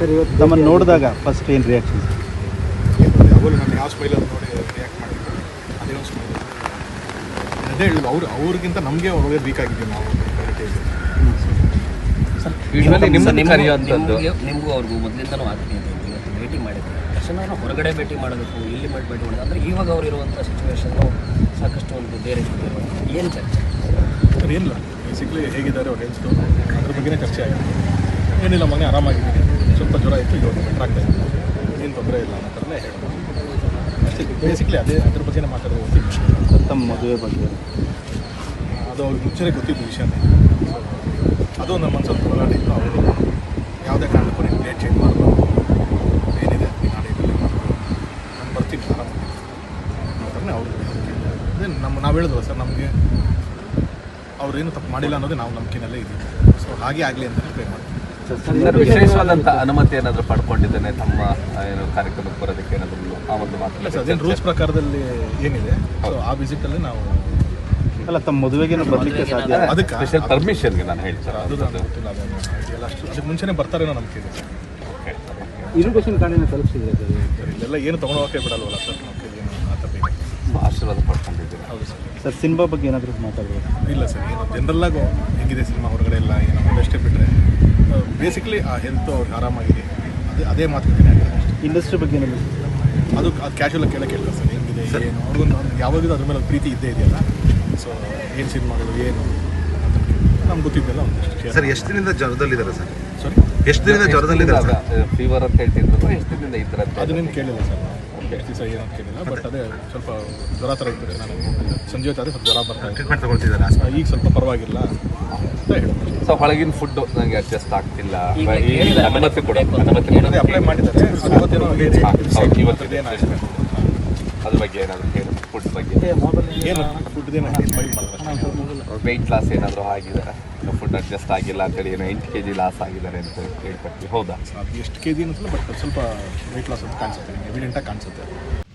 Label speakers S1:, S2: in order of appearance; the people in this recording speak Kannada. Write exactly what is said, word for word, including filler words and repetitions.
S1: ಸರ್ ಇವತ್ತು
S2: ತಮ್ಮನ್ನು ನೋಡಿದಾಗ ಫಸ್ಟ್ ಏನು ರಿಯಾಕ್ಷನ್?
S3: ಅವರು ನಾನು ಯಾವ ಸ್ಮೈಲಲ್ಲಿ ನೋಡಿ ರಿಯಾಕ್ಟ್ ಮಾಡಿದ್ರು ಅದೇ ಒಂದು ಸ್ಮೈಲ್. ಅದೇ ಹೇಳಿದ್ರು ಅವ್ರು ಅವ್ರಿಗಿಂತ ನಮಗೆ ಒಳ್ಳೆ ವೀಕ್ ಆಗಿದ್ದೀವಿ ನಾವು.
S4: ಸರ್ ಯೂಶ್ವಲಿ ನಿಮ್ಮನ್ನು ಕರೆಯುವಂಥದ್ದು
S5: ನಿಮಗೂ ಅವ್ರಿಗೂ ಮೊದಲಿಂದನೂ ಆಗ್ತೀನಿ ಇವತ್ತು ಭೇಟಿ ಮಾಡಿದ್ರು ತಕ್ಷಣ ಹೊರಗಡೆ ಭೇಟಿ ಮಾಡಬೇಕು, ಇಲ್ಲಿ ಮಾಡಿ ಭೇಟಿ ಮಾಡೋದು ಅಂದರೆ ಇವಾಗ ಅವ್ರು ಇರುವಂಥ ಸಿಚುವೇಶನ್ನು ಸಾಕಷ್ಟು ಒಂದು ಬೇರೆ ಏನು ಚರ್ಚೆ?
S3: ಸರ್ ಏನಿಲ್ಲ, ಬೇಸಿಕ್ಲಿ ಹೇಗಿದ್ದಾರೆ ಅವ್ರು ಹೆಲ್ತು ಅದ್ರ ಬಗ್ಗೆನೇ ಚರ್ಚೆ ಆಗಿದೆ. ಏನಿಲ್ಲ ಮನೆ ಆರಾಮಾಗಿದ್ದೀನಿ, ಸ್ವಲ್ಪ ಜ್ವರ ಇತ್ತು, ಇವಾಗ ಬೆಟ್ರ್ ಆಗ್ತಾ ಇತ್ತು, ಏನು ತೊಂದರೆ ಇಲ್ಲ ಅನ್ನೋ ಥರನೇ ಹೇಳ್ಬೋದು ಅಷ್ಟೇ. ಬೇಸಿಕ್ಲಿ ಅದೇ ಅದ್ರ ಬಗ್ಗೆನೇ ಮಾತಾಡೋದು ಗೊತ್ತಿತ್ತು.
S2: ತಮ್ಮ ಮದುವೆ ಬಗ್ಗೆ
S3: ಅದು ಅವ್ರಿಗೆ ಮುಂಚೆನೇ ಗೊತ್ತಿದ್ದು ವಿಷಯನೇ. ಅದು ನಮ್ಮ ಮನಸ್ಸಲ್ಲಿ ಹೋರಾಡಿತ್ತು. ಅವರು ಯಾವುದೇ ಕಾರಣಕ್ಕೂ ನೀವು ಡೇಟ್ ಚೇಂಜ್ ಮಾಡಬಾರ್ದು, ಏನಿದೆ ನಾಳೆ ಇದರಲ್ಲಿ ನಾನು ಬರ್ತೀನಿ ಆರಾಮಾಗಿ ಅನ್ನೋ ಥರನೇ ಅವರು. ಅದೇ ನಮ್ಮ ನಾವು ಹೇಳಿದ್ವಲ್ಲ ಸರ್, ನಮಗೆ ಅವ್ರೇನು ತಪ್ಪು ಮಾಡಿಲ್ಲ ಅನ್ನೋದೇ ನಾವು ನಂಬಿಕೆನಲ್ಲೇ ಇದ್ದೀವಿ. ಸೊ ಹಾಗೆ ಆಗಲಿ ಅಂತಲೇ ಪ್ರೇ ಮಾಡ್ತೀವಿ.
S4: ಸರ್ ವಿಶೇಷವಾದಂಥ ಅನುಮತಿ ಏನಾದರೂ ಪಡ್ಕೊಂಡಿದ್ದೇನೆ ತಮ್ಮ ಏನು ಕಾರ್ಯಕ್ರಮಕ್ಕೆ ಬರೋದಕ್ಕೆ ಏನಾದರೂ ಆ ಒಂದು ಮಾತು?
S3: ಸರ್ ಅದೇನು ರೂಲ್ಸ್ ಪ್ರಕಾರದಲ್ಲಿ ಏನಿದೆ, ಸೊ ಆ ವಿಸಿಟಲ್ಲಿ ನಾವು
S2: ಅಲ್ಲ ತಮ್ಮ ಮದುವೆಗೇನು ಬರಲಿಕ್ಕೆ ಸಾಧ್ಯ?
S3: ಅದಕ್ಕೆ
S4: ಸ್ಪೆಷಲ್ ಪರ್ಮಿಷನ್ಗೆ ನಾನು ಹೇಳ್ತೀನಿ
S3: ಸರ್ ಅದು ನನಗೆ ಗೊತ್ತಿಲ್ಲ, ಅದನ್ನು ಇದೆಲ್ಲ ಅಷ್ಟು ಅದಕ್ಕೆ ಮುಂಚೆನೇ ಬರ್ತಾರೇನೋ ನಂಬಿಕೆ ಇದೆ ಸರ್.
S1: ಇನ್ವಿಟೇಷನ್ ಕಾರ್ಡಿನ ತಲುಪಿಸಿದ್ರೆ ಸರ್
S3: ಸರ್ ಇಲ್ಲೆಲ್ಲ ಏನು ತೊಗೊಳೋಕೆ ಬಿಡಲ್ವಲ್ಲ ಸರ್, ನಮಗೆ ಏನು ಆ ಥರ ಬೇಕು.
S4: ಆಶೀರ್ವಾದ ಪಡ್ಕೊಂಡಿದ್ದೀರಾ?
S3: ಹೌದು ಸರ್.
S2: ಸರ್ ಸಿನಿಮಾ ಬಗ್ಗೆ ಏನಾದರೂ ಮಾತಾಡ್ಬೋದು?
S3: ಇಲ್ಲ ಸರ್, ಏನು ಜನರಲ್ಲಾಗು ಹೆಂಗಿದೆ ಸಿನಿಮಾ ಹೊರಗಡೆ ಎಲ್ಲ ಏನು ಅಷ್ಟೇ ಬಿಟ್ಟರೆ ಬೇಸಿಕ್ಲಿ ಆ ಹೆಲ್ತ್ ಅವ್ರಿಗೆ ಆರಾಮಾಗಿದೆ, ಅದೇ ಅದೇ ಮಾತುಕತೆ ಆಗ್ತದೆ ಅಷ್ಟೇ.
S2: ಇಂಡಸ್ಟ್ರಿ ಬಗ್ಗೆ ಏನಾದರೂ
S3: ಅದು ಅದು ಕ್ಯಾಶುವಲಾಗಿ ಕೇಳಕ್ಕೆ ಕೇಳ್ತಾರೆ ಸರ್, ಹೆಂಗಿದೆ ಏನು ಅವ್ರಿಗೊಂದು ಯಾವಾಗಲೂ ಅದ್ರ ಮೇಲೆ ಒಂದು ಪ್ರೀತಿ ಇದ್ದೇ ಇದೆಯಲ್ಲ. ಸೊ ಏನು ಸಿನಿಮಾಗಳು ಏನು ನಮ್ಗೆ ಗೊತ್ತಿದ್ದೆಲ್ಲ ಒಂದಷ್ಟು.
S6: ಸರ್ ಎಷ್ಟು ದಿನದಿಂದ ಜ್ವರದಲ್ಲಿದ್ದಾರೆ ಸರ್?
S3: ಸಾರಿ,
S6: ಎಷ್ಟು ದಿನದಿಂದ ಜ್ವರದಲ್ಲಿದ್ದಾರೆ ಸರ್?
S4: ಫೀವರ್ ಅಂತ ಹೇಳ್ತಿದ್ರು, ಎಷ್ಟು ದಿನದಿಂದ ಇದ್ರಂತೆ?
S3: ಅದನ್ನೇನು ಕೇಳಿಲ್ಲ ಸರ್ ನಾವು, ಎಷ್ಟು ದಿವಸ ಏನಂತ ಕೇಳಿಲ್ಲ. ಬಟ್ ಅದೇ ಸ್ವಲ್ಪ ಜ್ವರ ಥರ ಇತ್ತು, ನಾನು ಸಂಜೆ ಹೊತ್ತಾದರೆ ಸ್ವಲ್ಪ ಜ್ವರ ಬರ್ತಾ ಇತ್ತು.
S6: ಟ್ರೀಟ್ಮೆಂಟ್ ತಗೊಳ್ತಿದ್ದಾರೆ ಹಾಸ್ಪಿಟಲ್?
S3: ಈಗ ಸ್ವಲ್ಪ ಪರವಾಗಿಲ್ಲ ಅಂತ ಹೇಳ್ಬೋದು.
S4: ಸೊ ಹೊಳಗಿನ ಫುಡ್ ನನಗೆ ಅಡ್ಜಸ್ಟ್ ಆಗ್ತಿಲ್ಲ,
S5: ಈಗ
S4: ಈ
S5: ಹೇಳಿದ್ದಾರೆ,
S4: ಅನುಮತಿ ಕೊಡ
S5: ಬೇಕು ಅಂತ.
S4: ಅನುಮತಿ
S3: ಅದೇ ಅಪ್ಲೈ ಮಾಡಿದ್ದಾರೆ, ಇವತ್ತೇನೋ ಹೇಳಿ
S4: ಇವತ್ತು
S3: ಏನಾಗಿದೆ
S4: ಅದ್ರ ಬಗ್ಗೆ ಏನಾದರೂ ಹೇಳಿ, ಫುಡ್ ಬಗ್ಗೆ
S3: ಏನು ಫುಡ್ದೇನು ಫೈಲ್ ಮಾಡಿದ್ರೆ
S4: ವೆಯ್ಟ್ ಲಾಸ್ ಏನಾದರೂ ಆಗಿದೆ, ಫುಡ್ ಅಡ್ಜಸ್ಟ್ ಆಗಿಲ್ಲ ಅಂತೇಳಿ ಏನೋ ಎಂಟು ಕೆ ಜಿ ಲಾಸ್ ಆಗಿದ್ದಾರೆ ಅಂತ ಹೇಳ್ಕೊಡ್ತೀವಿ. ಹೌದಾ?
S3: ಅದು ಎಷ್ಟು ಕೆ ಜಿ ಅನ್ಸಲ್ಲ, ಬಟ್ ಸ್ವಲ್ಪ ವೆಯ್ಟ್ ಲಾಸ್ ಅಂತ ಕಾಣಿಸುತ್ತೆ, ನಿಮಗೆ ಎವಿಡೆಂಟಾಗಿ ಕಾಣಿಸುತ್ತೆ.